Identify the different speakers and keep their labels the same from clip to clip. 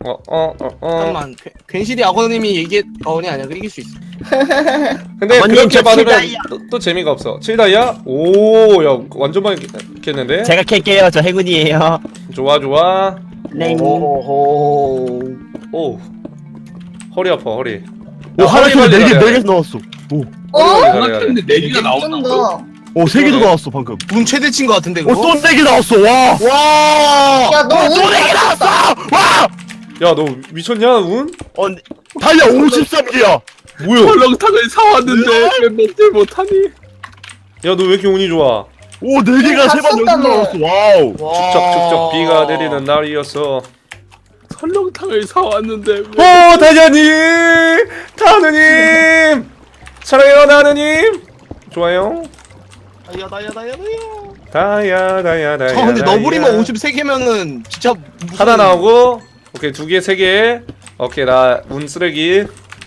Speaker 1: 잠깐만 괜시리 악어님이 얘기했 아니야 그 이길 수 있어.
Speaker 2: 근데
Speaker 3: 아버님,
Speaker 2: 그렇게
Speaker 3: 저
Speaker 2: 받으면
Speaker 3: 칠다이아.
Speaker 2: 또 재미가 없어. 7다이아? 오, 야 완전 많이 깼는데?
Speaker 3: 제가 캘게요. 저 행운이에요.
Speaker 2: 좋아 좋아.
Speaker 3: 네.
Speaker 1: 오호.
Speaker 2: 오, 허리 아파 허리.
Speaker 3: 오, 하나
Speaker 2: 허리
Speaker 3: 캘
Speaker 2: 관리
Speaker 3: 4개,
Speaker 2: 잘해야 돼.
Speaker 3: 4개 나왔어. 오,
Speaker 2: 허리 관리
Speaker 4: 하나
Speaker 2: 잘해야 돼.
Speaker 4: 켰는데 4개가 나온다고?
Speaker 5: 쩐다.
Speaker 3: 오, 3개도 나왔어, 방금.
Speaker 1: 운 최대치인 것 같은데
Speaker 3: 오,
Speaker 1: 그거?
Speaker 3: 또 4개 나왔어, 와!
Speaker 1: 와.
Speaker 5: 야, 너
Speaker 3: 또
Speaker 5: 운
Speaker 3: 4개 나왔어! 와!
Speaker 2: 야 너 미쳤냐 운?
Speaker 3: 다이아 53개야!
Speaker 2: 뭐야?
Speaker 4: 설렁탕을 사왔는데 왜 먹질 못하니?
Speaker 2: 야 너 왜 이렇게 운이 좋아?
Speaker 3: 오, 4개가
Speaker 5: 다
Speaker 3: 3번 연속
Speaker 5: 썼다며.
Speaker 3: 나왔어, 와우!
Speaker 2: 축적 비가 내리는 날이었어.
Speaker 4: 설렁탕을 사왔는데 왜?
Speaker 2: 오 다자님, 타누님, 사랑해요 나누님. 좋아요. 다야.
Speaker 1: 저 근데 너브리만 53개면은 진짜 무슨...
Speaker 2: 하나 나오고, 오케이 2개, 3개. 오케이 나 운 쓰레기.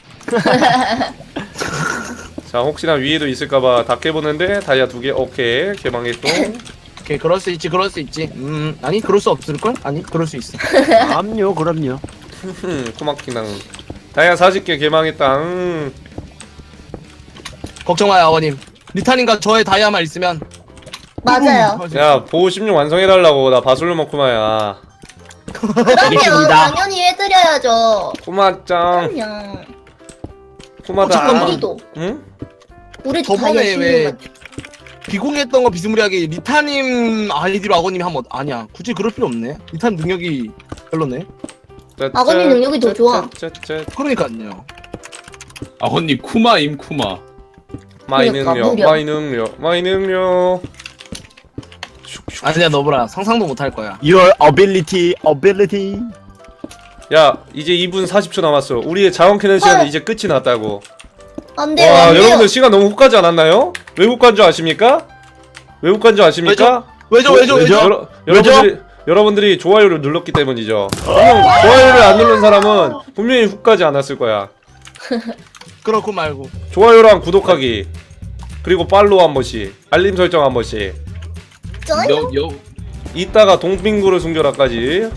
Speaker 2: 자 혹시나 위에도 있을까봐 다 깨보는데 다이아 2개. 오케이 개방했고.
Speaker 1: 오케이 그럴 수 있지 그럴 수 있지. 아니 그럴 수 없을걸? 아니 그럴 수 있어.
Speaker 3: 그럼요, 그럼요.
Speaker 2: 코막히낭. 다이아 40개 개방했다.
Speaker 1: 걱정 마요 아버님. 리타님과 저의 다이아만 있으면
Speaker 5: 맞아요.
Speaker 2: 야 보호 16 완성해달라고. 나 바술로 먹구마야.
Speaker 5: 그러면
Speaker 3: 알겠습니다.
Speaker 5: 당연히 해드려야죠.
Speaker 2: 꼬마짱
Speaker 5: 그럼요.
Speaker 2: 꼬마다.
Speaker 1: 잠깐만.
Speaker 5: 우리도.
Speaker 2: 응?
Speaker 5: 우리도
Speaker 1: 저번에
Speaker 5: 다이아
Speaker 1: 왜
Speaker 5: 16만.
Speaker 1: 비공개했던 거 비스무리하게 리타님 아이디로 악어님이 한번 아니야 굳이 그럴 필요 없네. 리타님 능력이 별로네.
Speaker 5: 아버님 능력이 더 좋아.
Speaker 1: 그러니까요.
Speaker 4: 아버님 쿠마임 쿠마.
Speaker 2: 마이
Speaker 5: 그러니까,
Speaker 2: 능력,
Speaker 5: 무려.
Speaker 2: 마이 능력.
Speaker 1: 아니야 너브라 상상도 못 할 거야.
Speaker 3: Your ability.
Speaker 2: 야 이제 2분 40초 남았어. 우리의 자원 캐는 시간은 이제 끝이 났다고.
Speaker 5: 안 돼요,
Speaker 2: 와
Speaker 5: 안 돼요.
Speaker 2: 여러분들 시간 너무 훅 가지 않았나요? 왜 훅 간 줄 아십니까? 왜 훅 간 줄 아십니까?
Speaker 1: 왜죠?
Speaker 2: 여러분들이 좋아요를 눌렀기 때문이죠. 분명 좋아요를 안 누른 사람은 분명히 훅 가지 않았을 거야.
Speaker 1: 그렇고 말고.
Speaker 2: 좋아요랑 구독하기, 그리고 팔로우 한 번씩, 알림 설정 한 번씩.
Speaker 5: 쩌요?
Speaker 2: 이따가 동빙구를 숨겨라까지.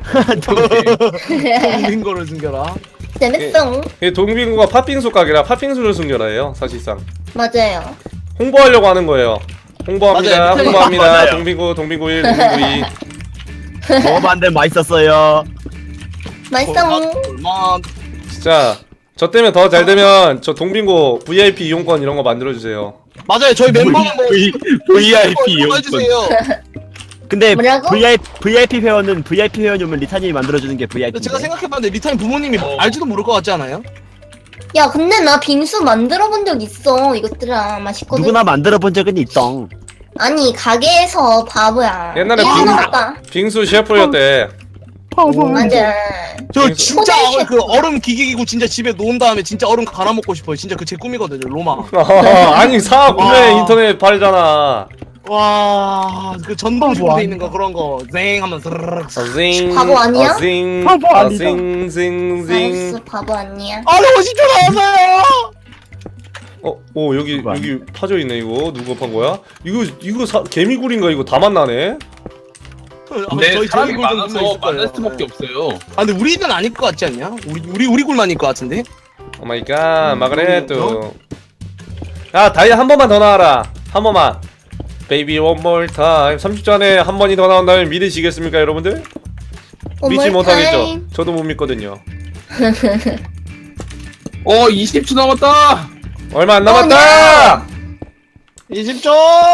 Speaker 1: 빙고를 숨겨라.
Speaker 5: 재밌어.
Speaker 2: 동빙구가 팥빙수 가게라 팥빙수를 숨겨라예요 사실상.
Speaker 5: 맞아요.
Speaker 2: 홍보하려고 하는 거예요. 홍보합니다.
Speaker 1: 맞아요.
Speaker 2: 홍보합니다.
Speaker 3: 맞아요.
Speaker 2: 동빙구 1, 동빙구 2.
Speaker 3: 먹어봤는데 맛있었어요.
Speaker 5: 맛있어.
Speaker 1: 얼마
Speaker 2: 진짜 저 때문에 더 잘 되면 저 동빙고 VIP 이용권 이런 거 만들어 주세요.
Speaker 1: 맞아요. 저희 멤버는 뭐
Speaker 4: VIP 이용권.
Speaker 1: 해주세요.
Speaker 3: 근데
Speaker 5: 뭐라고?
Speaker 3: VIP 회원은 VIP 회원이면 리타님이 만들어주는 게 VIP인데.
Speaker 1: 제가 생각해봤는데 리타님 부모님이 알지도 모를 것 같지 않아요?
Speaker 5: 야, 근데 나 빙수 만들어 본 적 있어. 이것들아 맛있거든.
Speaker 3: 누구나 만들어본 적은 있덩.
Speaker 5: 아니 가게에서 바보야.
Speaker 2: 옛날에
Speaker 5: 이거
Speaker 2: 빙-
Speaker 5: 먹었다.
Speaker 2: 빙수 셰프였대.
Speaker 5: 맞아.
Speaker 1: 저
Speaker 2: 빙수-
Speaker 1: 진짜
Speaker 5: 호텔
Speaker 1: 그 얼음 기기기고 진짜 집에 놓은 다음에 진짜 얼음 갈아 먹고 싶어요. 진짜 그 제 꿈이거든요. 로마.
Speaker 2: 아니 사 구매
Speaker 1: 와.
Speaker 2: 인터넷 팔잖아.
Speaker 1: 와, 그 전동 주문돼 있는 거 그런 거 쟁 하면 스르륵.
Speaker 2: 징.
Speaker 5: 바보 아니야?
Speaker 2: 징.
Speaker 3: 바보 아니다.
Speaker 2: 징징징.
Speaker 5: 알았어, 바보 아니야.
Speaker 1: 아, 50초 나왔어요.
Speaker 2: 오 여기
Speaker 3: 누가?
Speaker 2: 여기 파져 있네 이거. 누가 판 거야? 이거 개미굴인가 이거 다 만나네.
Speaker 4: 근데
Speaker 1: 저희
Speaker 4: 사람이
Speaker 1: 굴 좀
Speaker 4: 많아서
Speaker 1: 있을 거예요.
Speaker 4: 만날 수밖에 없어요.
Speaker 1: 아, 근데 우리는 아닐 것 같지 않냐? 우리 굴만일 것 같은데?
Speaker 2: 오 마이 갓. 마그레트. 야 다이아 한 번만 더 나와라. 한 번만. 베이비 원 more time. 30초 안에 한 번이 더 나온다면 믿으시겠습니까 여러분들? 믿지
Speaker 5: One more
Speaker 2: 못하겠죠.
Speaker 5: time.
Speaker 2: 저도 못 믿거든요.
Speaker 4: 20초 남았다.
Speaker 2: 얼마 안 남았다.
Speaker 1: 20초.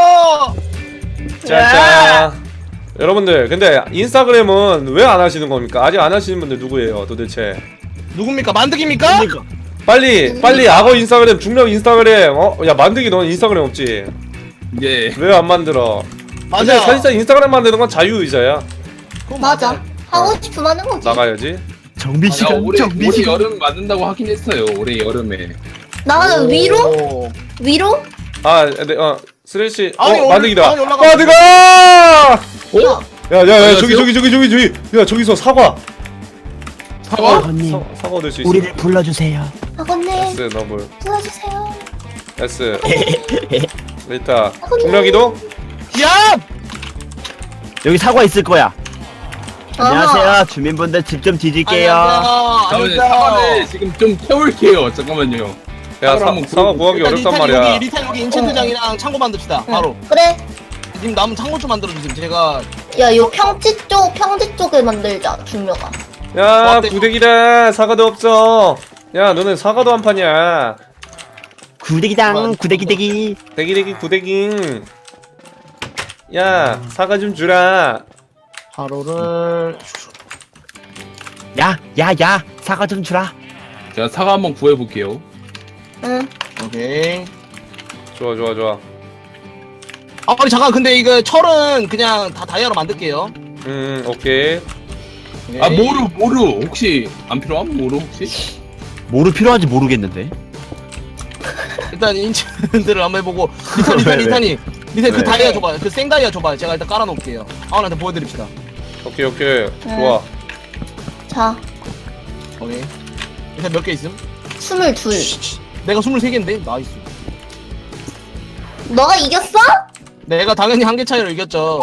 Speaker 2: 자. 여러분들 근데 인스타그램은 왜 안 하시는 겁니까? 아직 안 하시는 분들 누구예요 도대체?
Speaker 1: 누굽니까? 만드기입니까?
Speaker 2: 빨리 악어 인스타그램, 중력 인스타그램. 야 만드기 넌 인스타그램 없지?
Speaker 4: 예.
Speaker 2: 왜 안 만들어? 근데
Speaker 1: 맞아.
Speaker 2: 사실상 인스타그램 만드는 건 자유의자야.
Speaker 1: 그건
Speaker 5: 맞아. 하고 싶으면 하는 거지.
Speaker 2: 나가야지.
Speaker 3: 정비
Speaker 4: 아,
Speaker 3: 시간,
Speaker 4: 올해
Speaker 3: 정비 시간.
Speaker 4: 여름 맞는다고 하긴 했어요. 올해 여름에.
Speaker 5: 나가는 위로?
Speaker 1: 오.
Speaker 5: 위로?
Speaker 2: 아, 근데 스레시.
Speaker 1: 아니,
Speaker 2: 만드기다.
Speaker 1: 아니, 올라가.
Speaker 2: 만드가!
Speaker 4: 어?
Speaker 2: 야야야 저기. 야 저기서 사과.
Speaker 4: 사과?
Speaker 3: 아버님,
Speaker 2: 사과 얻을 수 있어.
Speaker 3: 우리를 불러주세요.
Speaker 5: 아버님,
Speaker 2: S 너블.
Speaker 5: 도와주세요.
Speaker 2: S. 리타. 중력이도?
Speaker 1: 야!
Speaker 3: 여기 사과 있을 거야. 안녕하세요. 주민분들 집 좀 뒤질게요.
Speaker 4: 잠깐만요. 사과를 지금 좀 태울게요. 잠깐만요.
Speaker 2: 야
Speaker 4: 사과를 한번
Speaker 2: 사과 구하기 어렵단
Speaker 1: 리탄
Speaker 2: 말이야.
Speaker 1: 여기 리탄 여기 인챈트장이랑 창고 만듭시다. 바로.
Speaker 5: 그래.
Speaker 1: 지금 남은 창고 좀 만들어 주세요. 제가
Speaker 5: 야, 요 평지 쪽에 만들자, 중요가.
Speaker 2: 야 구데기다. 사과도 없어. 야 너는 사과도 한 판이야.
Speaker 3: 구데기당 구데기대기.
Speaker 2: 대기대기 구데기. 야 사과 좀 주라.
Speaker 1: 하루를
Speaker 3: 야 사과 좀 주라.
Speaker 4: 제가 사과 한번 구해볼게요.
Speaker 5: 응.
Speaker 1: 오케이.
Speaker 2: 좋아.
Speaker 1: 아니 잠깐 근데 이거 철은 그냥 다 다이아로 만들게요.
Speaker 2: 오케이.
Speaker 1: 오케이.
Speaker 4: 아 모루 혹시 안 필요함? 모루 혹시?
Speaker 3: 뭐로 필요한지 모르겠는데.
Speaker 1: 일단 인챈트를 한번 해보고 리탄이 그
Speaker 3: 네.
Speaker 1: 다이아 줘봐요. 그 생다이아 줘봐요. 제가 일단 깔아놓을게요. 아원한테 보여드립시다.
Speaker 2: 오케이 좋아.
Speaker 5: 자,
Speaker 1: 오케이. 일단 몇 개 있음?
Speaker 5: 22.
Speaker 1: 내가 23개인데 나이스.
Speaker 5: 너가 이겼어?
Speaker 1: 내가 당연히 한 개 차이로 이겼죠.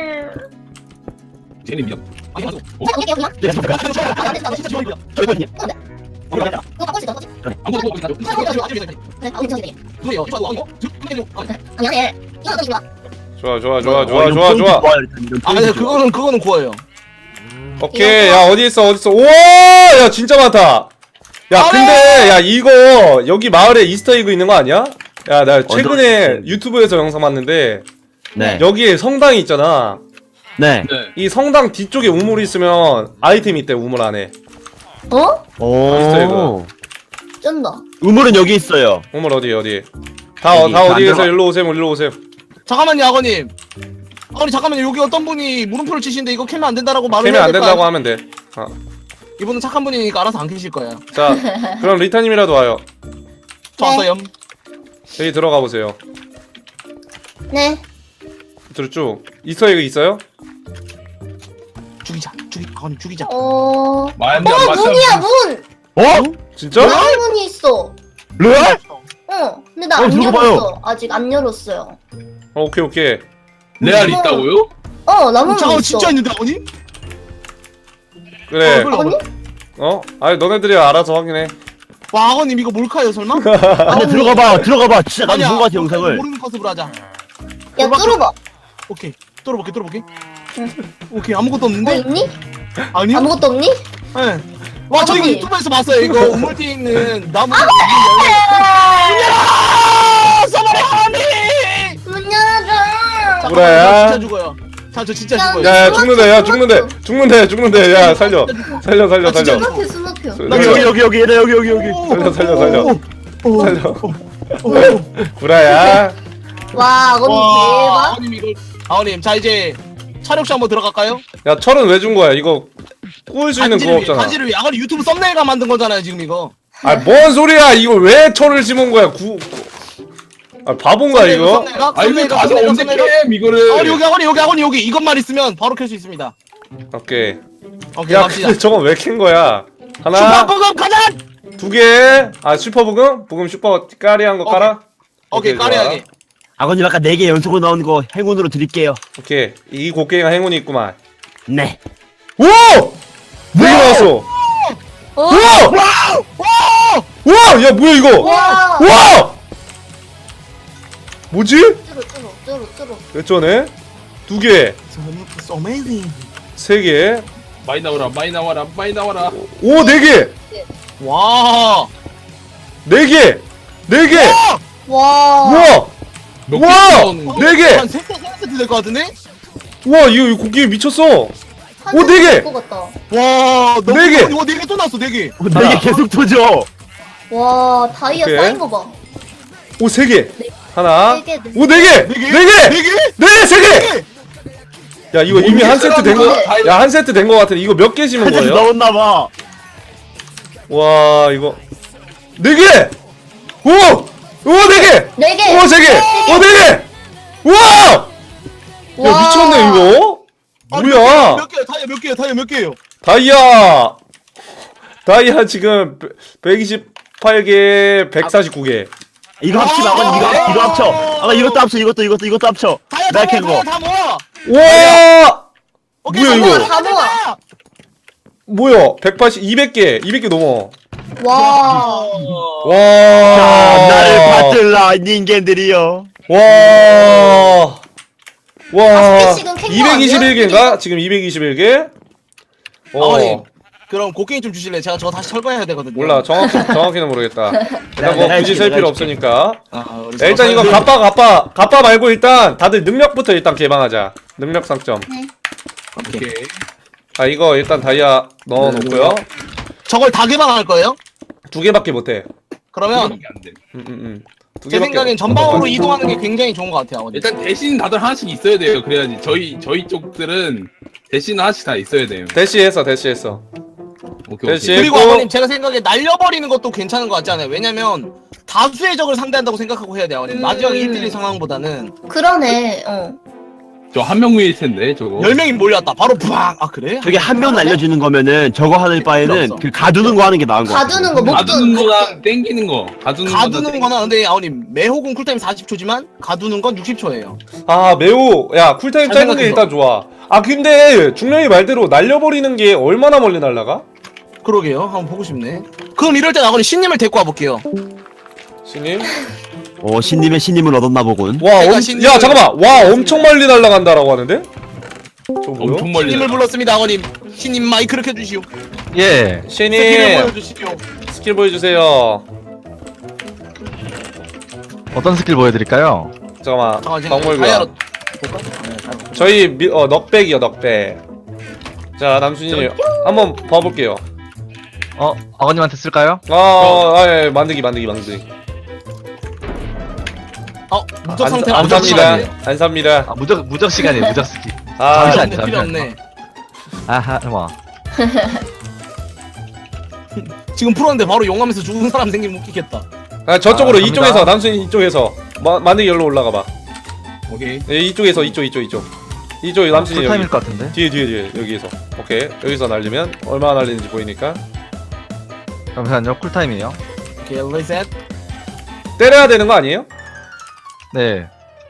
Speaker 4: 쟤는 미안.
Speaker 1: 아니 아니.
Speaker 5: 이겨, 그냥.
Speaker 3: 저희거든요.
Speaker 5: 그거 바꿀 수 있어, 바꿀 수 있어.
Speaker 4: 아무것도 못하죠.
Speaker 5: 그래, 괜찮게.
Speaker 1: 그래요.
Speaker 5: 아니, 아니. 이거 어떻게 좋아?
Speaker 2: 좋아.
Speaker 1: 아 근데 그거는 구워요.
Speaker 2: 오케이. 야 어디 있어. 우와 야 진짜 많다. 야 근데 야 이거 여기 마을에 이스터에그 있는 거 아니야? 야 나 최근에 유튜브에서 영상 봤는데
Speaker 3: 네.
Speaker 2: 여기에 성당이 있잖아.
Speaker 3: 네.
Speaker 4: 네.
Speaker 2: 이 성당 뒤쪽에 우물이 있으면 아이템이 있대. 우물 안에.
Speaker 5: 어?
Speaker 3: 오.
Speaker 5: 쩐다.
Speaker 3: 우물은 여기 있어요.
Speaker 2: 우물 어디 다
Speaker 3: 여기
Speaker 2: 어디 계세요?
Speaker 3: 만들어.
Speaker 2: 일로 오세요.
Speaker 1: 잠깐만요, 아버님. 아니 잠깐만요. 여기 어떤 분이 물음표를 치시는데 이거 캐면 안 된다라고 말을
Speaker 2: 캐면
Speaker 1: 해야
Speaker 2: 안
Speaker 1: 될거
Speaker 2: 된다고 하면 돼.
Speaker 1: 이분은 착한 분이니까 알아서 안 캐실 거예요.
Speaker 2: 자 그럼 리타님이라도 와요.
Speaker 1: 저
Speaker 5: 네.
Speaker 1: 왔어요.
Speaker 2: 여기 들어가 보세요.
Speaker 5: 네.
Speaker 2: 쭉 이스터에그 있어요?
Speaker 1: 아버님 죽이자.
Speaker 4: 말도
Speaker 5: 문이야, 문!
Speaker 3: 어?
Speaker 2: 진짜?
Speaker 5: 나무 문이 있어.
Speaker 3: 레알?
Speaker 5: 근데 나 안
Speaker 3: 들어가 봐요.
Speaker 5: 열었어. 아직 안 열었어요.
Speaker 2: 오케이.
Speaker 4: 레알 있다고요?
Speaker 5: 나무 문
Speaker 1: 잠깐
Speaker 5: 있어.
Speaker 1: 진짜 있는데 아버님?
Speaker 2: 그래.
Speaker 5: 아버님?
Speaker 2: 아니 너네들이 알아서 확인해.
Speaker 1: 와 아버님 이거 몰카예요 설마?
Speaker 3: 안돼 들어가봐. 진짜 나도
Speaker 1: 아니야,
Speaker 3: 본거 같아 영상을.
Speaker 1: 모르는 컨셉으로 하자.
Speaker 5: 야, 뚫어봐.
Speaker 1: 오케이. 뚫어볼게. 오케이 아무것도 없는데?
Speaker 5: 있니?
Speaker 1: 아니요?
Speaker 5: 아무것도 없니?
Speaker 1: 네. 와 저 이거
Speaker 5: 아버님.
Speaker 1: 유튜브에서 봤어요. 이거 우물 뒤에 있는 나무.
Speaker 5: 아!
Speaker 1: 써버려 아버님!
Speaker 5: 문 열어줘.
Speaker 2: 그래.
Speaker 1: 진짜 죽어요. 저 진짜 죽어요.
Speaker 2: 야 죽는데. 야 살려.
Speaker 5: 스모표.
Speaker 1: 나
Speaker 3: 여기.
Speaker 2: 살려. 구라야.
Speaker 5: 와, 아버님 대박.
Speaker 1: 아버님 이걸 아버님 자 이제 촬영실 한번 들어갈까요?
Speaker 2: 야 철은 왜 준 거야? 이거 구울 수 있는 그거 없잖아.
Speaker 1: 단지를 위해 아버님 유튜브 썸네일가 만든 거잖아요 지금 이거.
Speaker 2: 뭔 소리야? 이거 왜 철을 심은 거야? 바본가 이거?
Speaker 4: 아 이거 가서 언제 캠 이거를?
Speaker 1: 여기 이것만 있으면 바로 켤 수 있습니다.
Speaker 2: 오케이.
Speaker 1: 오케이
Speaker 2: 야
Speaker 1: 갑시다.
Speaker 2: 근데 저건 왜 캔 거야? 하나,
Speaker 1: 슈퍼버금 가자.
Speaker 2: 2개. 슈퍼 부금 슈퍼 까리한 거 깔아.
Speaker 1: 오케이
Speaker 2: 좋아.
Speaker 1: 까리하게.
Speaker 3: 아버님 아까 4개 연속으로 나온 거 행운으로 드릴게요.
Speaker 2: 오케이. 이 곡괭이가 행운이 있구만.
Speaker 3: 네.
Speaker 2: 오! 4개 나왔어. 우와! 우와! 야 뭐야 이거?
Speaker 5: 와.
Speaker 2: 우와! 뭐지?
Speaker 5: 뚫어.
Speaker 2: 몇 전에? 2개,
Speaker 1: It's amazing.
Speaker 2: 3개,
Speaker 4: 많이 나와라.
Speaker 2: 오 4개,
Speaker 1: 와.
Speaker 2: 4개, 4개.
Speaker 5: 와.
Speaker 2: 우와!
Speaker 4: 몇
Speaker 2: 우와!
Speaker 4: 개 나오는 거?
Speaker 2: 4개.
Speaker 1: 한 3세트 될 것 같은데?
Speaker 2: 우와 이거 곡괭이 미쳤어. 오,
Speaker 5: 한
Speaker 2: 네 개!
Speaker 5: 될것 같다.
Speaker 1: 와. 너무
Speaker 2: 네 개.
Speaker 1: 이거 4개 또 나왔어 4개.
Speaker 3: 4개 계속 터져.
Speaker 5: 와, 다이아
Speaker 2: 오케이.
Speaker 5: 쌓인 거 봐.
Speaker 2: 오 3개. 하나.
Speaker 5: 네 개, 네
Speaker 2: 오 4개.
Speaker 1: 4개?
Speaker 2: 4개.
Speaker 1: 4개?
Speaker 2: 4개, 3개. 야 이거 이미 한 세트 된 거.
Speaker 4: 사람들아.
Speaker 2: 야 한 세트 된 거 같은데 이거 몇 개 심은
Speaker 3: 한잔
Speaker 2: 거예요?
Speaker 3: 넣었나봐.
Speaker 2: 와 이거 4개. 오! 오 4개.
Speaker 5: 네 개.
Speaker 2: 오 3개. 오 4개. 우와! 야
Speaker 5: 와.
Speaker 2: 미쳤네 이거. 뭐야?
Speaker 1: 몇 개요? 다이아 몇 개예요?
Speaker 2: 다이아 지금 128개, 149개.
Speaker 3: 이거 합치면 아버님 이거 합쳐. 아까 이것도 합쳐. 이것도 합쳐.
Speaker 1: 다이아
Speaker 3: 나 캔 거.
Speaker 1: 다 모아.
Speaker 2: 와!
Speaker 1: 오케이,
Speaker 2: 뭐야,
Speaker 1: 성공!
Speaker 2: 이거?
Speaker 5: 다 모아.
Speaker 2: 뭐야 180 200개 넘어.
Speaker 5: 와.
Speaker 2: 와.
Speaker 3: 나를 받들라 닌겐들이여.
Speaker 2: 와. 와.
Speaker 5: 스피식은 캔거 아니야?
Speaker 2: 221개인가? 지금 221개?
Speaker 1: 아버님 그럼 곡괭이 좀 주실래요? 제가 저거 다시 철거해야 되거든요.
Speaker 2: 몰라. 정확히는 모르겠다. 일단 뭐
Speaker 3: 내가
Speaker 2: 굳이
Speaker 3: 해줄게,
Speaker 2: 셀
Speaker 3: 내가
Speaker 2: 필요
Speaker 3: 해줄게.
Speaker 2: 없으니까.
Speaker 1: 우리
Speaker 2: 야, 일단 이거 갑바 말고 일단 다들 능력부터 일단 개방하자. 능력 상점.
Speaker 4: 오케이.
Speaker 2: 아 이거 일단 다이아 넣어놓고요.
Speaker 1: 저걸 다 개방할 거예요?
Speaker 2: 2개밖에 못해.
Speaker 1: 그러면
Speaker 4: 이게 안 돼.
Speaker 2: 두
Speaker 1: 제
Speaker 2: 개밖에
Speaker 1: 생각엔 전방으로 이동하는 게 굉장히 좋은 것 같아요. 아버님.
Speaker 4: 일단 대신 다들 하나씩 있어야 돼요. 그래야지 저희 쪽들은 대신 하나씩 다 있어야 돼요.
Speaker 2: 대시했어.
Speaker 4: 오케이.
Speaker 2: 대신-
Speaker 1: 그리고
Speaker 2: 또-
Speaker 1: 아버님 제가 생각에 날려버리는 것도 괜찮은 것 같지 않아요? 왜냐면 다수의 적을 상대한다고 생각하고 해야 돼요. 아버님. 마지막에 1대1 상황보다는
Speaker 5: 그러네.
Speaker 4: 저 한 명 위일 텐데 저거.
Speaker 1: 10명이 몰려왔다. 바로 부앙! 아 그래?
Speaker 3: 저게 한 명 날려주는 거면은 저거 하는 바에는
Speaker 1: 없어.
Speaker 3: 그 가두는 거 하는 게 나은 거 같아.
Speaker 5: 가두는 거
Speaker 4: 가두는
Speaker 5: 목돈.
Speaker 4: 거랑 땡기는 거. 가두는
Speaker 1: 가두는 거나 근데 아버님 매혹은 쿨타임 40초지만 가두는 건 60초예요.
Speaker 2: 아 매우 야 쿨타임
Speaker 1: 잘
Speaker 2: 짧은 게
Speaker 1: 생각해서.
Speaker 2: 일단 좋아. 아 근데 중령이 말대로 날려버리는 게 얼마나 멀리 날라가?
Speaker 1: 그러게요. 한번 보고 싶네. 그럼 이럴 때 아버님 신님을 데리고 와볼게요.
Speaker 2: 신님?
Speaker 3: 신님의 신님을 얻었나 보군.
Speaker 2: 와,
Speaker 1: 내가
Speaker 2: 야 잠깐만. 와 엄청 멀리 날아간다라고 하는데? 저거 뭐요?
Speaker 4: 엄청 멀리.
Speaker 1: 신님을 불렀습니다 아버님. 신님 마이크를 켜주시오.
Speaker 6: 예.
Speaker 1: 스킬을
Speaker 2: 신님
Speaker 1: 보여주시오.
Speaker 2: 스킬 보여주세요.
Speaker 6: 어떤 스킬 보여드릴까요?
Speaker 2: 잠깐만.
Speaker 1: 잠깐만 제가
Speaker 2: 박물관.
Speaker 1: 다이아로 볼까? 네, 다이아로.
Speaker 2: 저희 넉백이요 넉백. 자 남순이 한번 봐볼게요.
Speaker 6: 아버님한테 쓸까요?
Speaker 2: 예, 만들기.
Speaker 1: 무적 상태
Speaker 2: 안
Speaker 1: 안
Speaker 2: 삽니다.
Speaker 1: 좋으시네.
Speaker 2: 안 삽니다.
Speaker 6: 아, 무적 시간이에요, 무적 스킬.
Speaker 2: 아,
Speaker 6: 잠시만.
Speaker 1: 필요 없네. 필요 없네.
Speaker 6: 아하, 뭐.
Speaker 1: 지금 풀었는데 바로 용하면서 죽은 사람 생기면 웃기겠다.
Speaker 2: 저쪽으로
Speaker 6: 갑니다.
Speaker 2: 이쪽에서 남순이 이쪽에서 만들기 열로 올라가봐.
Speaker 4: 오케이.
Speaker 2: 예, 이쪽에서 이쪽 남순이 여기
Speaker 6: 풀타임일 것 같은데?
Speaker 2: 뒤에 여기에서. 오케이 여기서 날리면 얼마나 날리는지 보이니까
Speaker 6: 잠시만요, 쿨타임이에요.
Speaker 1: 오케이 리셋.
Speaker 2: 때려야 되는 거 아니에요?
Speaker 6: 네.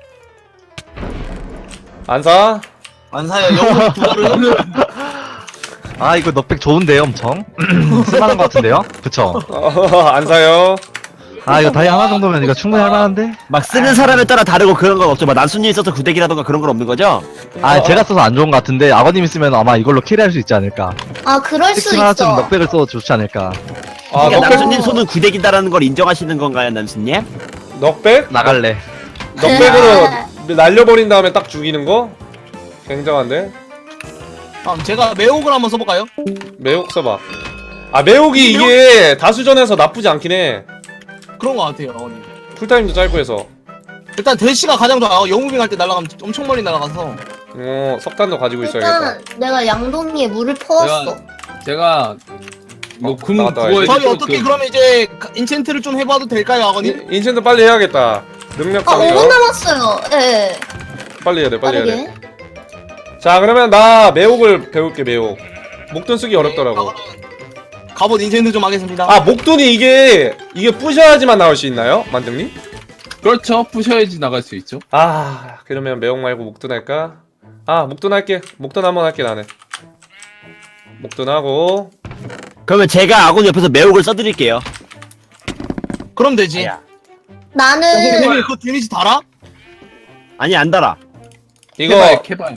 Speaker 2: 안 사?
Speaker 1: 안 사요. 영웅 두 그릇.
Speaker 6: 아, 이거 넉백 좋은데요, 엄청? 쓸만한 것 같은데요? 그쵸?
Speaker 2: 안 사요.
Speaker 6: 아, 이거 다이 하나 정도면 이거 충분히 할만한데?
Speaker 3: 막 쓰는 사람에 따라 다르고 그런 건 없죠. 막 난순이 있어서 구대기라던가 그런 건 없는 거죠?
Speaker 6: 아, 제가 써서 안 좋은 것 같은데, 아버님이 쓰면 아마 이걸로 캐리할 수 있지 않을까.
Speaker 5: 아 그럴 수
Speaker 6: 특히 하나쯤
Speaker 5: 있어.
Speaker 6: 넉백을 써도 좋지 않을까.
Speaker 2: 아
Speaker 3: 그러니까
Speaker 2: 넉백?
Speaker 3: 난순님 손은 구대기다라는 걸 인정하시는 건가요, 난순님?
Speaker 2: 넉백?
Speaker 6: 나갈래.
Speaker 2: 넉백으로 날려버린 다음에 딱 죽이는 거? 굉장한데?
Speaker 1: 제가 매혹을 한번 써볼까요?
Speaker 2: 매혹 써봐. 아 매혹이 이게 다수전에서 나쁘지 않긴 해.
Speaker 1: 그런 것 같아요 아버님.
Speaker 2: 풀타임도 짧고 해서.
Speaker 1: 일단 대시가 가장 좋아요. 영웅빙 할 때 날아가면 엄청 멀리 날아가서.
Speaker 2: 석탄도 가지고 있어야겠다.
Speaker 5: 일단 내가 양동이에 물을 퍼왔어.
Speaker 4: 제가 이거 금
Speaker 2: 나갔다
Speaker 4: 구워야
Speaker 2: 와야지.
Speaker 1: 저희
Speaker 4: 돼.
Speaker 1: 어떻게 그러면 이제 인챈트를 좀 해봐도 될까요 아버님?
Speaker 2: 인챈트 빨리 해야겠다. 능력
Speaker 5: 아 5분
Speaker 2: 상이요.
Speaker 5: 남았어요. 예.
Speaker 2: 빨리 해야 돼.
Speaker 5: 빠르게.
Speaker 2: 자 그러면 나 매혹을 배울게. 매혹. 목돈 쓰기 어렵더라고.
Speaker 1: 갑옷 인챈트 좀 하겠습니다.
Speaker 2: 아 목돈이 이게 부셔야지만 나올 수 있나요? 만등님?
Speaker 4: 그렇죠. 부셔야지 나갈 수 있죠.
Speaker 2: 아 그러면 매혹 말고 목돈 할까? 아 목돈 할게. 목돈 한번 할게 나는. 목돈 하고.
Speaker 3: 그러면 제가 아군 옆에서 매혹을 써드릴게요.
Speaker 1: 그럼 되지.
Speaker 5: 나는
Speaker 1: 형님 그거 데미지 달아?
Speaker 3: 아니, 안 달아.
Speaker 2: 이거
Speaker 4: 캐봐요.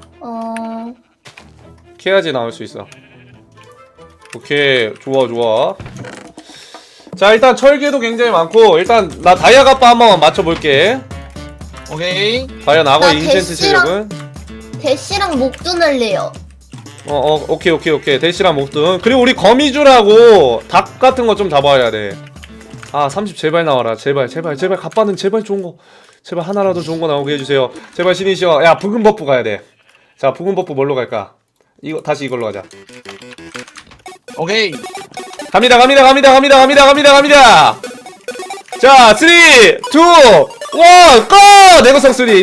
Speaker 2: 캐야지 나올 수 있어. 오케이 좋아. 자 일단 철개도 굉장히 많고 일단 나 다이아 갑바 한번 맞춰볼게.
Speaker 1: 오케이.
Speaker 2: 과연 악어
Speaker 5: 나
Speaker 2: 인챈트
Speaker 5: 대시랑-
Speaker 2: 실력은?
Speaker 5: 대시랑 목돈 할래요.
Speaker 2: 오케이 대시랑 목돈. 그리고 우리 거미줄하고 닭 같은 거 좀 잡아야 돼. 아 30 제발 나와라. 제발 갑바는 제발 좋은 거. 제발 하나라도 좋은 거 나오게 해주세요. 제발 신이시여. 야 붉은 버프 가야 돼. 자 붉은 버프 뭘로 갈까? 이거 다시 이걸로 가자.
Speaker 1: 오케이.
Speaker 2: 갑니다. 자, 3, 2, 1, 고! 내구성 3, 고!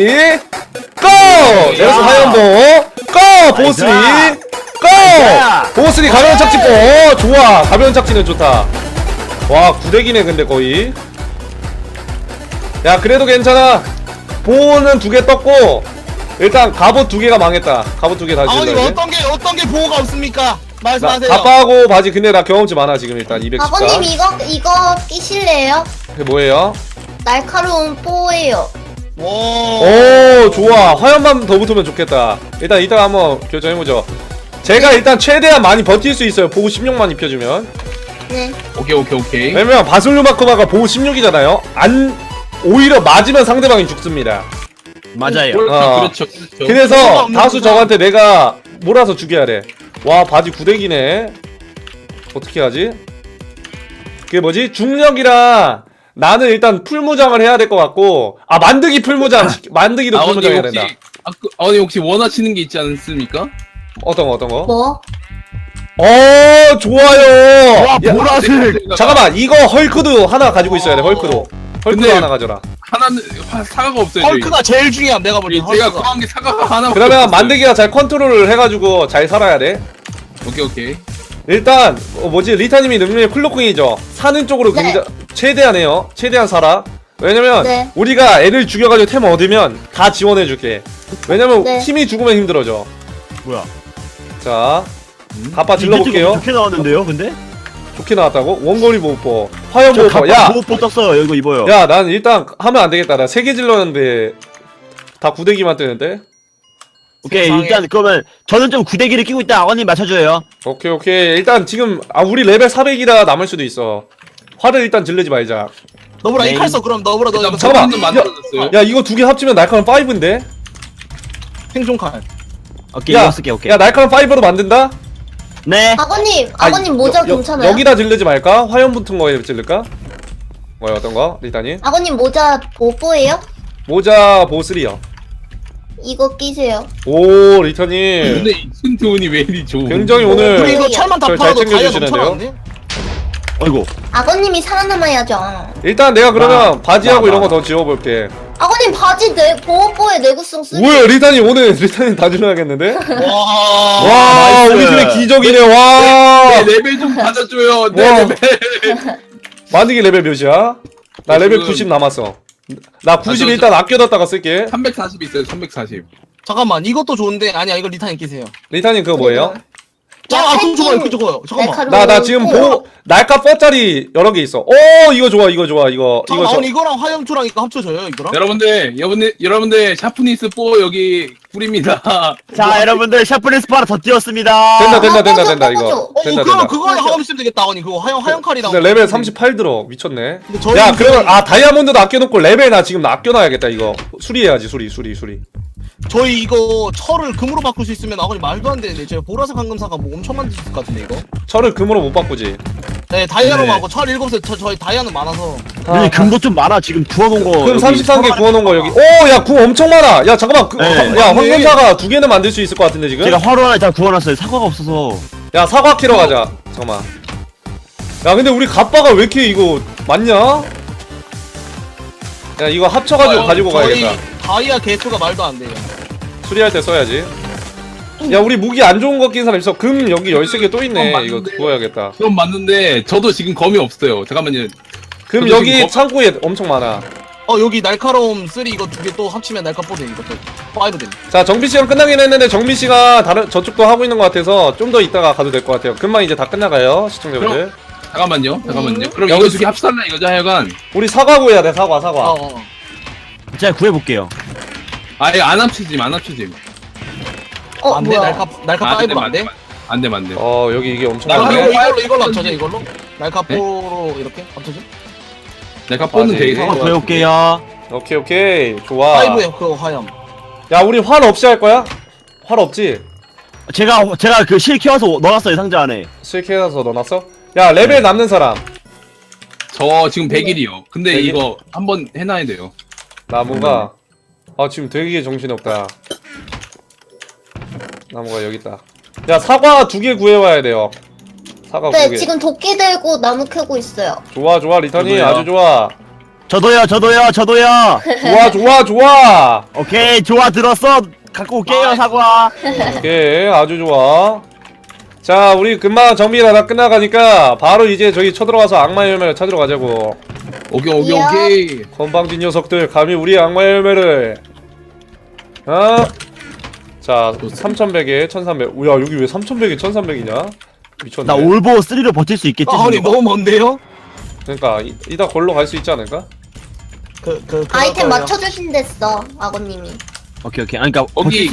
Speaker 2: 내구성 하연보, 고! 보호 3, 고! 보호 3 가벼운 착지포, 좋아. 가벼운 착지는 좋다. 와, 구대기네, 근데 거의. 야, 그래도 괜찮아. 보호는 2개 떴고, 일단 갑옷 2개가 망했다. 갑옷 2개 다시
Speaker 1: 아버님
Speaker 2: 질러야 돼.
Speaker 1: 어떤 게 보호가 없습니까?
Speaker 2: 나
Speaker 1: 말씀하세요.
Speaker 2: 갑바하고 바지 근데 나 경험치 많아 지금 일단 214.
Speaker 5: 아버님 이거 끼실래요?
Speaker 2: 그게 뭐예요?
Speaker 5: 날카로운 뽀예요.
Speaker 1: 와.
Speaker 2: 오 좋아. 화염만 더 붙으면 좋겠다. 일단 이따가 한번 결정해보죠. 제가 일단 최대한 많이 버틸 수 있어요. 보호 16만 입혀주면.
Speaker 5: 네.
Speaker 4: 오케이.
Speaker 2: 왜냐면 바슬루마코마가 보호 16이잖아요. 오히려 맞으면 상대방이 죽습니다.
Speaker 3: 맞아요.
Speaker 4: 그렇죠.
Speaker 2: 그래서 다수 적한테 내가 몰아서 죽여야 돼. 와 바지 구대기네. 어떻게 하지? 그게 뭐지? 중력이랑 나는 일단 풀무장을 해야 될 것 같고 만드기 풀무장 만드기도 풀무장 해야 된다.
Speaker 4: 아버님 혹시 원하시는 게 있지 않습니까?
Speaker 2: 어떤 거?
Speaker 5: 뭐?
Speaker 2: 좋아요.
Speaker 3: 와
Speaker 2: 야,
Speaker 3: 보라색.
Speaker 2: 잠깐만 이거 헐크도 하나 가지고 있어야 돼. 헐크도
Speaker 4: 근데-
Speaker 2: 하나 가져라.
Speaker 4: 하나는 사과가 없어요. 저희.
Speaker 1: 헐크가 제일 중요함 내가 보니.
Speaker 4: 제가 구한 게 사과가 하나.
Speaker 2: 그러면 만드기가 잘 컨트롤을 해가지고 잘 살아야 돼.
Speaker 4: 오케이.
Speaker 2: 일단 리타님이 능력이 클로킹이죠. 사는 쪽으로
Speaker 5: 네.
Speaker 2: 굉장히 최대한 해요. 최대한 살아. 왜냐면
Speaker 5: 네.
Speaker 2: 우리가 애를 죽여가지고 템 얻으면 다 지원해줄게. 왜냐면
Speaker 5: 네.
Speaker 2: 팀이 죽으면 힘들어져.
Speaker 3: 뭐야?
Speaker 2: 자 갑바 질러볼게요.
Speaker 3: 좋게 나왔는데요, 근데?
Speaker 2: 좋게 나왔다고? 원거리 보호법, 화염
Speaker 3: 저
Speaker 2: 보호법. 야,
Speaker 3: 보호포 떴어요. 이거 입어요.
Speaker 2: 야, 난 일단 하면 안 되겠다. 나 3개 질렀는데 다 구데기만 뜨는데.
Speaker 3: 오케이
Speaker 1: 세상에.
Speaker 3: 일단 그러면 저는 좀 구데기를 끼고 있다. 아버님 맞춰줘요.
Speaker 2: 오케이. 일단 지금 우리 레벨 400이라 남을 수도 있어. 화를 일단 질르지 말자.
Speaker 1: 너브라
Speaker 3: 네.
Speaker 1: 이 칼 써 그럼 너브라 너 이거
Speaker 2: 잠깐만.
Speaker 4: 는 만들어졌어요.
Speaker 2: 야, 이거 2개 합치면 날카로운 5인데?
Speaker 1: 생존 칼.
Speaker 3: 오케이
Speaker 2: 야,
Speaker 3: 이거 쓸게. 오케이.
Speaker 2: 야, 날카로운 5로 만든다?
Speaker 3: 네.
Speaker 5: 아버님 모자 괜찮아요?
Speaker 2: 여기다 질르지 말까? 화염 붙은 거에 질를까? 뭐야, 어떤 거? 리타님?
Speaker 5: 아버님 모자 뽀예요?
Speaker 2: 모자 보호3요.
Speaker 5: 이거 끼세요.
Speaker 2: 오, 리타님.
Speaker 4: 근데 이 튼튼이 왜 이리 좋은?
Speaker 2: 굉장히
Speaker 1: 우리
Speaker 2: 오늘
Speaker 1: 이거 철만 다
Speaker 2: 잘
Speaker 1: 팔아도 다이아
Speaker 2: 챙겨주시는데요?
Speaker 1: 넘쳐나는데?
Speaker 3: 어이구.
Speaker 5: 아버님이 살아남아야죠.
Speaker 2: 일단 내가 그러면 바지하고
Speaker 3: 나.
Speaker 2: 이런 거 더 지워볼게.
Speaker 5: 아버님 바지 보호뽀에 내구성 쓰.
Speaker 2: 뭐야, 리타님 오늘 리타님 다 질러야겠는데?
Speaker 1: 와.
Speaker 2: 와,
Speaker 3: 나이스.
Speaker 2: 우리 팀의 기적이네. 와.
Speaker 4: 내 레벨 좀 받아줘요. 내
Speaker 2: 와.
Speaker 4: 레벨.
Speaker 2: 만드기 레벨 몇이야? 나 레벨
Speaker 4: 지금-
Speaker 2: 90 남았어. 나 90
Speaker 4: 저-
Speaker 2: 일단 아껴뒀다가 쓸게.
Speaker 4: 340 있어요. 340.
Speaker 1: 잠깐만 이것도 좋은데 아니야 이거 리타님 끼세요.
Speaker 2: 리타님 그거 뭐예요?
Speaker 1: 그거 좋아요 그거 좋아요. 잠깐만.
Speaker 2: 나 지금 날카 뻗짜리 여러 개 있어. 오, 이거 좋아. 이거
Speaker 1: 잠깐만 이거랑 화염초랑 이거 합쳐져요 이거랑?
Speaker 4: 여러분들 샤프니스 4 여기 뿌립니다.
Speaker 3: 자 여러분들 샤프니스 바로 더 띄웠습니다.
Speaker 2: 된다 이거. 된다.
Speaker 1: 그럼 그거 하고 쓰면 되겠다 아버님 그거 화염 칼이랑.
Speaker 2: 근데 레벨 38 들어. 미쳤네.
Speaker 1: 근데 저희
Speaker 2: 야, 그러면 다이아몬드도 아껴놓고 레벨 나 지금 아껴놔야겠다 이거. 수리해야지 수리.
Speaker 1: 저희 이거 철을 금으로 바꿀 수 있으면 아버님 말도 안 되는데 저희 보라색 황금사가 뭐 엄청 만드실 것 같은데 이거?
Speaker 2: 철을 금으로 못 바꾸지.
Speaker 1: 네 다이아로
Speaker 3: 네.
Speaker 1: 하고 철 7개 저희 다이아는 많아서.
Speaker 3: 아니 금도 좀 많아. 지금 구워놓은 거.
Speaker 2: 금
Speaker 3: 여기
Speaker 2: 33개
Speaker 3: 서랍에
Speaker 2: 구워놓은 거 여기. 오, 야, 금 엄청 많아. 야, 잠깐만.
Speaker 3: 네.
Speaker 2: 야, 황금사가 2개는 만들 수 있을 것 같은데 지금?
Speaker 3: 제가 화로 하나 다 구워놨어요. 사과가 없어서.
Speaker 2: 야, 사과 캐러 가자. 잠깐만. 야, 근데 우리 갑바가 왜 이렇게 이거 많냐? 야, 이거 합쳐가지고 가지고
Speaker 1: 저희
Speaker 2: 가야겠다.
Speaker 1: 다이아 개수가 말도 안 돼요.
Speaker 2: 수리할 때 써야지. 야, 우리 무기 안 좋은 거 낀 사람 있어. 금 여기 13개 또 있네. 이거
Speaker 4: 맞는데.
Speaker 2: 구워야겠다.
Speaker 4: 그럼 맞는데 저도 지금 검이 없어요. 잠깐만요.
Speaker 2: 금
Speaker 4: 저도
Speaker 2: 여기
Speaker 4: 지금
Speaker 2: 창고에 엄청 많아.
Speaker 1: 여기 날카로움 3 이거 2개 또 합치면 날카뽀대 이것도 5 됨.
Speaker 2: 자, 정비씨랑 끝나긴 했는데 정비씨가 저쪽도 하고 있는 것 같아서 좀 더 이따가 가도 될 것 같아요. 금방 이제 다 끝나가요, 시청자분들.
Speaker 4: 잠깐만요. 그럼
Speaker 2: 여기
Speaker 4: 이거 두개 합살라 이거죠, 하여간.
Speaker 2: 우리 사과 구해야 돼, 사과.
Speaker 3: 제가 구해볼게요.
Speaker 4: 아예 안 합치짐.
Speaker 1: 안 돼?
Speaker 5: 뭐야?
Speaker 1: 날카 5로 안 돼?
Speaker 4: 안 돼.
Speaker 2: 여기 이게 엄청
Speaker 4: 나
Speaker 2: 많네.
Speaker 1: 이걸로 합쳐져 이걸로? 날카포로 이렇게 합쳐져?
Speaker 4: 내가 뽑는
Speaker 2: 네.
Speaker 4: 되게
Speaker 3: 사과
Speaker 4: 사과
Speaker 3: 구해올게요.
Speaker 2: 오케이. 좋아.
Speaker 1: 5에 그 화염.
Speaker 2: 야, 우리 활 없이 할 거야? 활 없지?
Speaker 3: 제가 그 실 키워서 넣어놨어요 상자 안에.
Speaker 2: 실캐해서 넣어놨어? 야, 레벨 남는 사람.
Speaker 4: 저 지금 100일이요. 근데
Speaker 2: 100일?
Speaker 4: 이거 한번 해놔야 돼요.
Speaker 2: 나무가 지금 되게 정신없다. 나무가 여기 있다. 야, 사과 2개 구해와야 돼요. 사과
Speaker 5: 네
Speaker 2: 2개.
Speaker 5: 지금 도끼 들고 나무 캐고 있어요.
Speaker 2: 좋아, 리타니.
Speaker 4: 저도요.
Speaker 2: 아주 좋아.
Speaker 3: 저도요.
Speaker 2: 좋아.
Speaker 3: 오케이 좋아 들었어. 갖고 올게요 사과.
Speaker 2: 오케이, 아주 좋아. 자, 우리 금방 정비가 다 끝나가니까 바로 이제 저기 쳐들어가서 악마의 열매를 찾으러 가자고.
Speaker 4: 오케이.
Speaker 2: 건방진 녀석들 감히 우리 악마의 열매를 자 3100에 1300. 우야 여기 왜 3100에 1300이냐? 미쳤네.
Speaker 3: 나 올보 3로 버틸 수 있겠지?
Speaker 1: 아니
Speaker 3: 준호가?
Speaker 1: 너무 먼데요?
Speaker 2: 그러니까 이따 걸로 갈 수 있지 않을까?
Speaker 5: 아이템 맞춰주신댔어 아버님이.
Speaker 3: 오케이. 아니 그니까
Speaker 4: 거기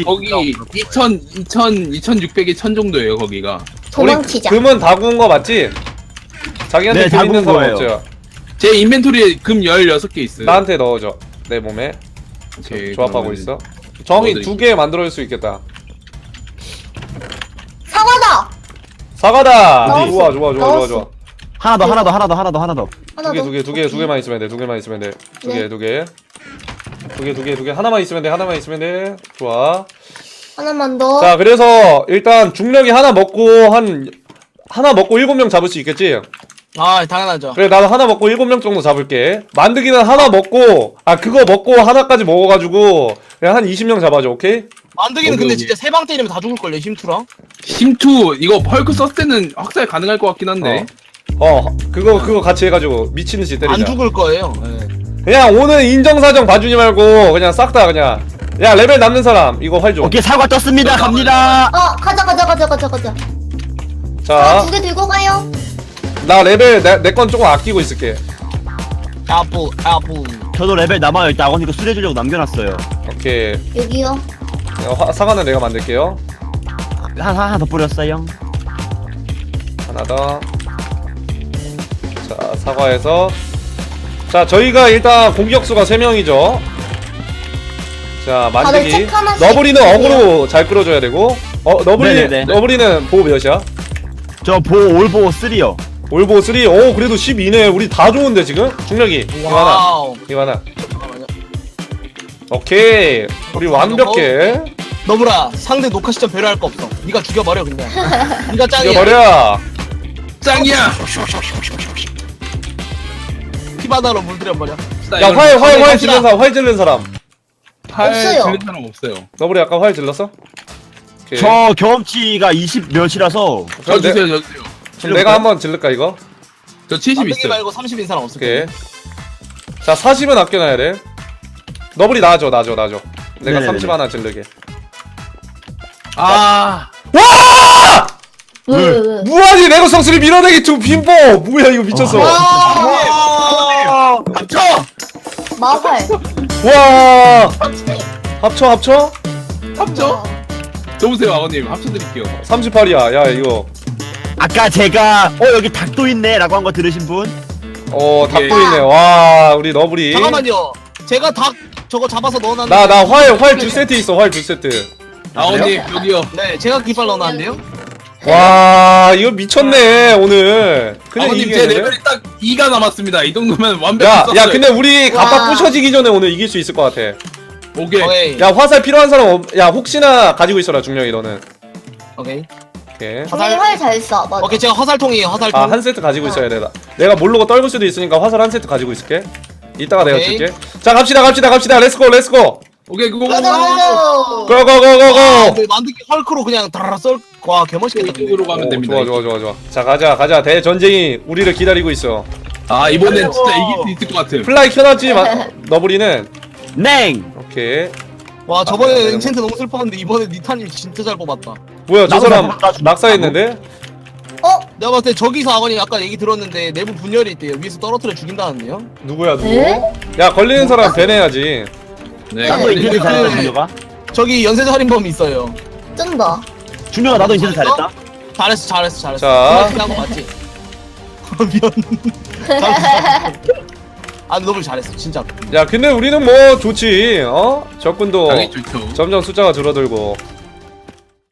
Speaker 4: 2600에 1000 정도예요 거기가.
Speaker 5: 도망치자.
Speaker 2: 금은 다 구운 거 맞지? 자기한테
Speaker 3: 네,
Speaker 2: 금
Speaker 3: 다
Speaker 2: 있는
Speaker 3: 구운
Speaker 2: 사람
Speaker 3: 거예요.
Speaker 2: 없죠?
Speaker 4: 제 인벤토리에 금 16개 있어요.
Speaker 2: 나한테 넣어줘. 내 몸에
Speaker 4: 오케이,
Speaker 2: 조합하고
Speaker 4: 그러면
Speaker 2: 있어. 정이
Speaker 4: 넣어드릴게요.
Speaker 2: 2개 만들어줄 수 있겠다.
Speaker 5: 사과다.
Speaker 2: 사과다.
Speaker 5: 넣었어.
Speaker 2: 좋아.
Speaker 5: 넣었어.
Speaker 3: 하나 더.
Speaker 5: 하나 더.
Speaker 2: 두 개만 있으면 돼. 두 개만 있으면 돼. 두 개. 하나만 있으면 돼. 좋아.
Speaker 5: 하나만 더.
Speaker 2: 자, 그래서 일단 중력이 하나 먹고 7명 잡을 수 있겠지?
Speaker 1: 아 당연하죠.
Speaker 2: 그래, 나도 하나 먹고 7명 정도 잡을게. 만드기는 하나 먹고, 그거 먹고 하나까지 먹어가지고, 그냥 한 20명 잡아줘, 오케이?
Speaker 1: 만드기는 근데
Speaker 4: 오케이.
Speaker 1: 진짜 세 방 때리면 다 죽을걸요 힘투랑.
Speaker 4: 힘투 이거 펄크 썼을 때는 확살 가능할 것 같긴 한데.
Speaker 2: 그거 같이 해가지고 미친듯이 때리자.
Speaker 1: 안 죽을 거예요. 네.
Speaker 2: 그냥 오늘 인정사정 봐주지 말고, 그냥 싹 다 그냥. 야, 레벨 남는 사람, 이거 활 줘.
Speaker 3: 오케이 사과 떴습니다. 갑니다.
Speaker 5: 가자.
Speaker 2: 자,
Speaker 5: 2개 들고 가요.
Speaker 2: 나 레벨, 내 건 조금 아끼고 있을게.
Speaker 1: 아부.
Speaker 3: 저도 레벨 남아요. 일단 아버님 거 수리해주려고 남겨놨어요.
Speaker 2: 오케이.
Speaker 5: 여기요.
Speaker 2: 사과는 내가 만들게요.
Speaker 3: 하나 더 뿌렸어요.
Speaker 2: 하나 더. 자, 사과해서. 자, 저희가 일단 공격수가 3명이죠. 자,
Speaker 5: 다들
Speaker 2: 만들기.
Speaker 5: 책 하나씩
Speaker 2: 너브리는
Speaker 5: 주세요.
Speaker 2: 어그로 잘 끌어줘야 되고.
Speaker 3: 네네네.
Speaker 2: 너브리는 보호 몇이야?
Speaker 3: 저 올보 3요.
Speaker 2: 올보 3. 오, 그래도 12네. 우리 다 좋은데, 지금? 중력이. 이거 하나.
Speaker 1: 와우.
Speaker 2: 이거 하나.
Speaker 1: 잠깐만요.
Speaker 2: 오케이. 우리 완벽해.
Speaker 1: 너브라 상대 녹화 시점 배려할 거 없어. 네가 죽여버려 그냥. 네가 짱이야.
Speaker 2: 이겨버려.
Speaker 4: 짱이야.
Speaker 1: 피바다로 물들여버려.
Speaker 2: 야, 활 질른 사람.
Speaker 5: 없어요.
Speaker 4: 들린 사람 없어요.
Speaker 2: 너브리 아까 활 질렀어? 오케이.
Speaker 3: 저 경험치가 20 몇이라서
Speaker 4: 저 주세요, 저 주세요.
Speaker 2: 그럼 내가 한번 질를까, 이거?
Speaker 4: 저 70
Speaker 1: 만드기
Speaker 4: 있어요.
Speaker 1: 말고 30인 사람 없을
Speaker 2: 오케이.
Speaker 1: 거야.
Speaker 2: 자, 40은 아껴놔야 돼. 너블이 놔줘. 내가
Speaker 3: 네네네네.
Speaker 2: 30 하나 질르게.
Speaker 4: 아,
Speaker 5: 왜?
Speaker 2: 무한히 레고 성수를 밀어내기 두 빈보! 뭐야, 이거 미쳤어.
Speaker 1: 와.
Speaker 4: 합쳐!
Speaker 5: 마활.
Speaker 2: 와! 합쳐?
Speaker 4: 합쳐? 줘보세요, 아버님. 합쳐드릴게요.
Speaker 2: 38이야. 야, 이거.
Speaker 3: 아까 제가 여기 닭도 있네 라고 한 거 들으신 분?
Speaker 2: 닭도 있네. 와, 우리 너블이.
Speaker 1: 잠깐만요. 제가 닭 저거 잡아서 넣어놨는데.
Speaker 2: 나 활 두 세트 있어, 활 두 세트.
Speaker 4: 아버님, 여기요.
Speaker 1: 네, 제가 깃발 넣어놨는데요.
Speaker 2: 와, 이거 미쳤네, 오늘. 그냥
Speaker 4: 아버님, 제
Speaker 2: 이기겠는데?
Speaker 4: 레벨이 딱 2가 남았습니다. 이 정도면
Speaker 2: 야,
Speaker 4: 완벽했어요.
Speaker 2: 야, 근데 우리 갑바
Speaker 5: 와.
Speaker 2: 부셔지기 전에 오늘 이길 수 있을 것 같아.
Speaker 4: 오케이.
Speaker 1: 오케이.
Speaker 2: 야, 화살 필요한 사람 야, 혹시나 가지고 있어라, 중령이 너는.
Speaker 1: 오케이.
Speaker 2: 오케이.
Speaker 5: 활 잘 쏴. 맞아.
Speaker 1: 오케이, 제가 화살통이에요. 화살통.
Speaker 2: 한 세트 가지고 있어야 돼. 내가 모르고 떨굴 수도 있으니까 화살 한 세트 가지고 있을게. 이따가 내가
Speaker 1: 오케이.
Speaker 2: 줄게. 자, 갑시다. 렛츠고.
Speaker 4: 오케이, 그거.
Speaker 5: 가자.
Speaker 1: 아,
Speaker 2: 고고고고고.
Speaker 1: 만드기 헐크로 그냥 다라라 썰. 와, 개멋있겠다. 근데.
Speaker 4: 이쪽으로 가면 됩니다.
Speaker 2: 좋아. 자, 가자. 대전쟁이 우리를 기다리고 있어.
Speaker 4: 아, 이번엔 진짜 이길 수 있을 것 같음.
Speaker 2: 플라이 켜놨지, 너브리는.
Speaker 3: 냉!
Speaker 2: 오케이.
Speaker 1: 와, 저번에 엔첸트 너무 슬펐는데 이번에 니타님 진짜 잘 뽑았다.
Speaker 2: 뭐야, 저
Speaker 3: 나도
Speaker 2: 사람
Speaker 3: 나도
Speaker 2: 낙사했는데?
Speaker 1: 내가 봤을 때 저기서 아버님 아까 얘기 들었는데 내부 분열이 있대요. 위에서 떨어뜨려 죽인다는데요.
Speaker 2: 누구야, 누구?
Speaker 5: 에?
Speaker 2: 야, 걸리는 사람 배내야지.
Speaker 4: 네.
Speaker 3: 나도 인쇄도 잘했다
Speaker 1: 네.
Speaker 3: 준혁아.
Speaker 1: 저기 연쇄 살인범이 있어요.
Speaker 5: 쩐다.
Speaker 3: 준혁아 나도 인쇄도 잘했다.
Speaker 1: 잘했어.
Speaker 2: 자.
Speaker 1: 정말 한거 맞지? 미안. 아, 너무 잘했어, 진짜.
Speaker 2: 야, 근데 우리는 뭐 좋지, 적군도
Speaker 4: 당연히 좋죠.
Speaker 2: 점점 숫자가 줄어들고.